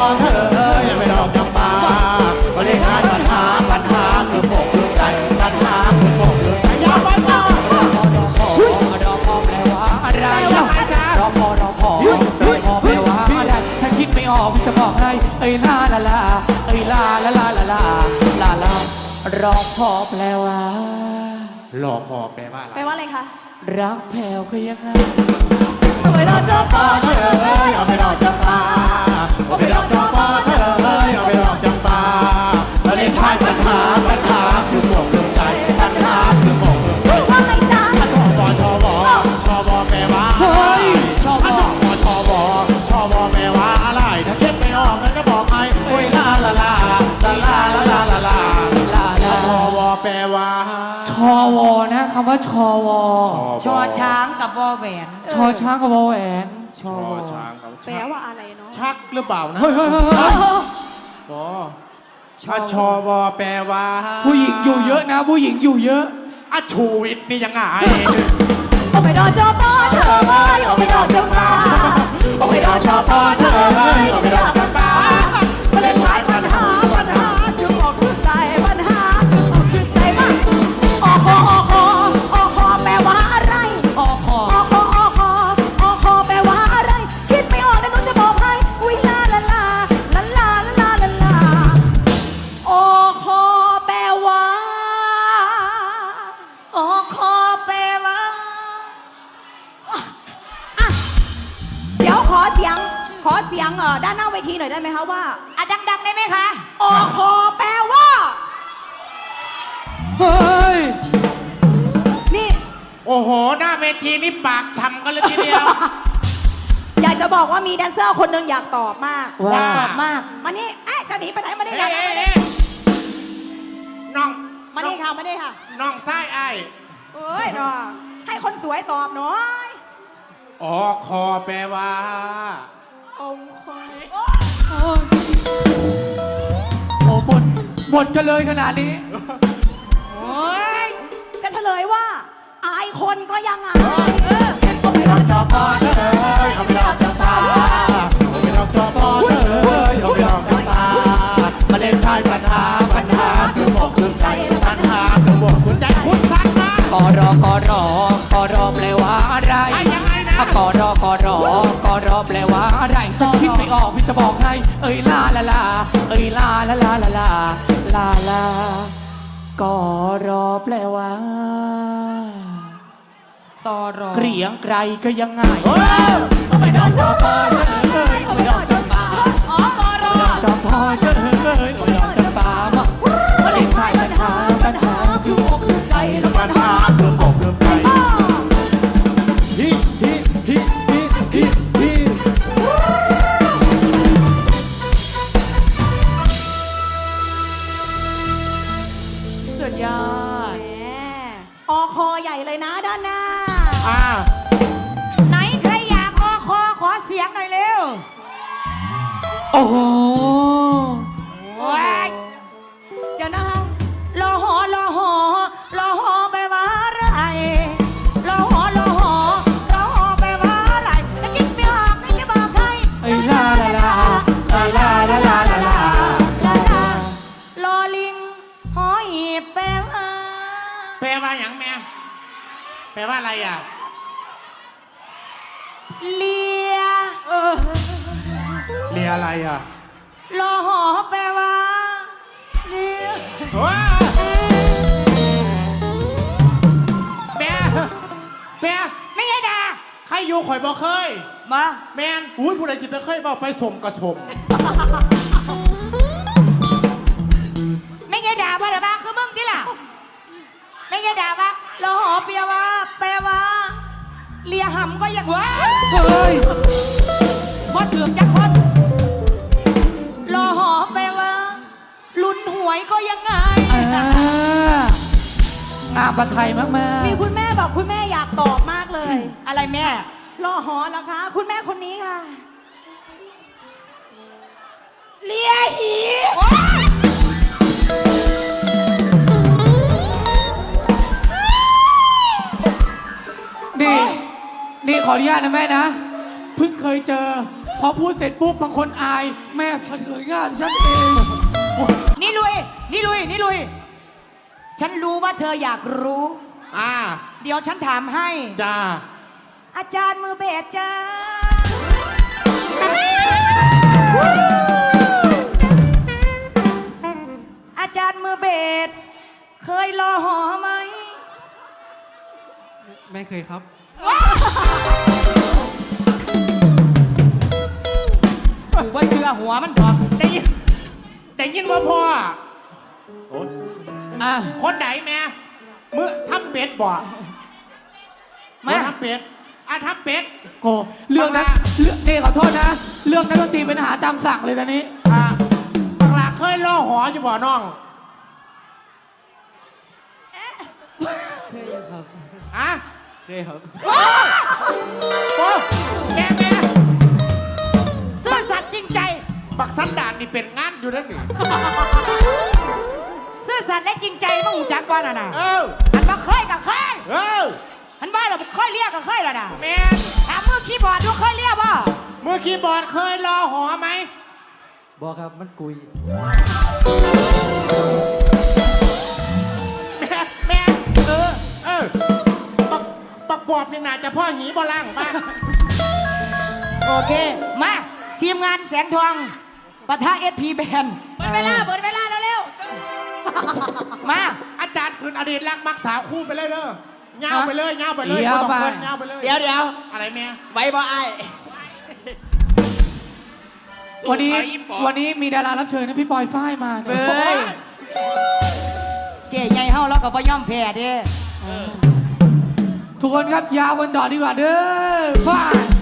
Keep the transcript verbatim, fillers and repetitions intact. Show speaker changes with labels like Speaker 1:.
Speaker 1: เธอเอ้ยไม่ดอกจำปาก็เลยขายปัญหาปัญหาคือปกลืมใจปัญหาคือปกลืมใจยาปัญหาดอกดอกพอแปลว่าอะไรดอกพอดอกพอดอกพอแปลว่าอะไรถ้าคิดไม่ออกจะบอกให้เอ้ยลาลาลาเอ้ยลาลาลาลาลาลาลารอพอแปลว่ารอพอแปลว่าอะไร
Speaker 2: แปลว่าอะไรคะ
Speaker 1: รักแผ่วคือยังไง
Speaker 2: เอาไปรอเจ้าพ่อเธอเอ้ยเอาไปรอเจ้าป่า
Speaker 1: เอาไปรอเจ้าพ่อเธอเอ้ยเอาไปรอจำปาแล้วเล่นท้ายปัญหาปัญหาคือปกลืมใจปัญหาคือปกลืมใจ
Speaker 2: ว่าไงจ๊ะ
Speaker 1: ชอบอชอบอชอบอแปลว่าเฮ้ยชอบอชอบอชอบอชอบอแปลว่าอะไรถ้าคิดไม่ออกงั้นก็บอกให้โอ้ยลาลาลาลาลาลาลาลาลาลาลาชอบอแปลว่าชอวอนะคำว่าชอวอ
Speaker 3: ชอช้างกับวอแหวน
Speaker 1: ชอช้างกับวอแหวน
Speaker 3: ชอ
Speaker 2: ช้างแปลว่าอะไรเนาะ
Speaker 1: ชักหรือเปล่านะเฮ้ยเฮ้ยเฮ้ยอ๋อถ้าชอวอแปลว่าผู้หญิงอยู่เยอะนะผู้หญิงอยู่เยอะอาชูวิทย์นี่ยังไง
Speaker 2: เอาไปรอเจ้าพ่อเธอเอ้ยเอาไปรอเจ้าป่าเอาไปรอเจ้าพ่อเธอเอ้ยเอาไปรอเจ้าป่ามาเล่นท้ายปัญหาปัญหาคือปกลืมใจปัญหาคือปกลืมใจมากออคอออคอออคอแปลว่าอะไร
Speaker 3: ออคอ
Speaker 2: ออคอออคอออคอแปลว่าอะไรคิดไม่ออกแต่หนูจะบอกให้อุ้ยลาลาลาลาลาลาลาลาออคอแปลว่า
Speaker 3: ออคอแปลว่า
Speaker 2: เดี๋ยวขอเสียงขอเสียงเออด้านหน้าเวทีหน่อยได้ไหมคะว่า
Speaker 3: อ่ะดังๆได้ไหมคะ
Speaker 2: ออคอแปลว่า
Speaker 1: เฮ้ย
Speaker 2: นี่
Speaker 1: โอ้โหหน้าเวทีนี่ปากช้ำกันเลยทีเดียว
Speaker 2: อยากจะบอกว่ามีแดนเซอร์คนหนึ่งอยากตอบมาก
Speaker 3: อยากตอบมาก
Speaker 2: มานี่เอ๊ะจะหนีไปไหนมานี่อยากมา
Speaker 1: นี่น้อง
Speaker 2: มานี่ค่ะมานี่ค่ะ
Speaker 1: น้องไส้ไอ้
Speaker 2: เอ้ยน้องให้คนสวยตอบหน่อย
Speaker 1: ออคอแปลว่า
Speaker 2: องคอย
Speaker 1: โอ้บทบทกันเลยขนาดนี้
Speaker 2: โอ้ยจะเฉลยว่าอายคนก็ยังอายเอาไปรอจอปอเธอ
Speaker 1: เอาไปรอจอปาเอาไปรอจอปอเธอเอาไปรอจอปามาเล่นทายปัญหาปัญหาคือบอกคือใจปัญหาคือบอกคือใจคุณสันนะกอรอกอรอกอรอแปลว่าอะไรกอรอกอรอกอรอแปลว่าอะไรจะคิดไม่ออกพี่จะบอกให้เอ้ยลาลาลาเอ้ยลาลาลาลาลาลาลากอรอแปลว่า
Speaker 3: ตอรอ
Speaker 1: เกรียงไกรก็ยังไงเอาไปดอกจอปอเฉยเอาไปดอกจำปา
Speaker 3: อ๋อกอรอ
Speaker 1: จอปอเฉยเอาไปดอกจำปามามาเล่นทายปัญหาปัญหาคืออกคือใจแล้วปัญหาคืออกคือใจฮิฮิฮิฮิฮิฮิ
Speaker 3: สุดยอด
Speaker 2: ออคอใหญ่เลยนะด้านหน้า
Speaker 1: อ่า
Speaker 3: ไหนใครอยากออคอขอเสียงหน่อยเร็ว
Speaker 1: โอ้โห
Speaker 2: เดี๋ยวนะคะ
Speaker 3: รอหอรอหอรอหอแปลว่าอะไรรอหอรอหอรอหอแปลว่าอะไรจะคิดไม่ออกจะบอกใคร
Speaker 1: ไอ้ลาลาลาลาลาลาลาลาลาร
Speaker 3: อลิงหอหีบแปลว่า
Speaker 1: แปลว่าอย่างแม่แปลว่าอะไรอ่ะ
Speaker 3: เลีย
Speaker 1: เลียอะไรอ่ะ
Speaker 3: รอหอแปลว่าเลีย
Speaker 1: แม่แม่
Speaker 3: ไม่ใช่ด่า
Speaker 1: ใครอยู่ข่อยบอกเคย
Speaker 3: มา
Speaker 1: แมนอุ้ยผู้ใดจิตไปเคยบอกไปสมกระสม
Speaker 3: ไม่ใช่ด่าว่าแต่บ้าคือมึงที่ล่ะไม่ใช่ด่าว่ารอหอแปลว่าแปลว่าเลียหำก็ยังวะ
Speaker 1: เฮ้ย
Speaker 3: พอถึงจักคนรอหอแปลว่าลุ้นหวยก็ยังไง
Speaker 1: งามประไทยมากๆ
Speaker 2: มีคุณแม่บอกคุณแม่อยากตอบมากเลย
Speaker 3: อะไรแม่
Speaker 2: รอหอเหรอคะคุณแม่คนนี้ค่ะเลียหี
Speaker 1: นี่นี่ขออนุญาตนะแม่นะเพิ่งเคยเจอ
Speaker 4: พอพูดเสร็จปุ๊บบางคนอาย แม่เผชิญงานฉันเอง
Speaker 3: นี่ลุย นี่ลุย นี่ลุย ฉันรู้ว่าเธออยากรู้
Speaker 1: อ่า
Speaker 3: เดี๋ยวฉันถามให้
Speaker 1: จ้า
Speaker 3: อาจารย์มือเบสจ้าอาจารย์มือเบสเคยรอหอไหม
Speaker 4: ไม่เคยครับ
Speaker 3: กูว่าเสื้อหัวมันดอก
Speaker 1: ได้ยินได้ยินว่าพ่อโอ้
Speaker 4: อ่ะ
Speaker 1: คนไหนแม่มือทำเป็ดบ่
Speaker 3: มา
Speaker 1: ทำเป็ดอ่ะทำเป็ด
Speaker 4: โกเรื่องนั้นเรื่องนี่ขอโทษนะ เรื่องนักดนตรีเป็นอาหารตามสั่งเลยตอนนี้
Speaker 1: อ่ะบังลาเคยล่อหออยู่บ่น้องเคยครับอ่ะเคยครับโอ้แม่แม่
Speaker 3: ซื่อสัตย์จริงใจ
Speaker 1: บักสันดานนี่เป็นงานอยู่นั่นนี่
Speaker 3: ซื่อสัตย์และจริงใจมึงหูจักว่าน่ะนะ
Speaker 1: เออ
Speaker 3: อันว่าเคยกับเคย
Speaker 1: เออ
Speaker 3: อันว่าเราเคยเรียกกับเคยแล้วนะ
Speaker 1: แม่
Speaker 3: ถามมือคีย์บอร์ดดูเคยเรียกป่ะ
Speaker 1: มือคีย์บอร์ดเคยล่อหอไหม
Speaker 4: บอกครับมันกุย
Speaker 1: แม่แม่
Speaker 3: เออ
Speaker 1: เออปักปักบอบนี่น่าจะพ่อหนีบ่ล่างบ้าง
Speaker 3: โอเค มาทีมงานแสงทองปะทะเอสพีแบน
Speaker 2: หมดเวลาหมดเวลาแล้วเร็ว
Speaker 3: มา
Speaker 1: อาจารย์คืนอดีตรักมักสาวคู่ไปเลยเด้อเงาไปเลยเงาไปเลย
Speaker 4: เดี๋ยว
Speaker 1: บ่ต้อง
Speaker 4: ไป
Speaker 1: เกินเงาไปเลย
Speaker 2: เดี๋ยวเดี๋ยว
Speaker 1: อะไรแม่
Speaker 2: ไว้บ่ไอ้
Speaker 4: วันนี้วันนี้มีดารารับเชิญนะพี่ปอยฝ้ายมา
Speaker 3: เบ้ยเจ๊ใหญ่เฮาแล้วก็บ่ย่อมแพ้เด้
Speaker 4: ทุกคนครับยาวกันต่อดีกว่าเด้อฝ้าย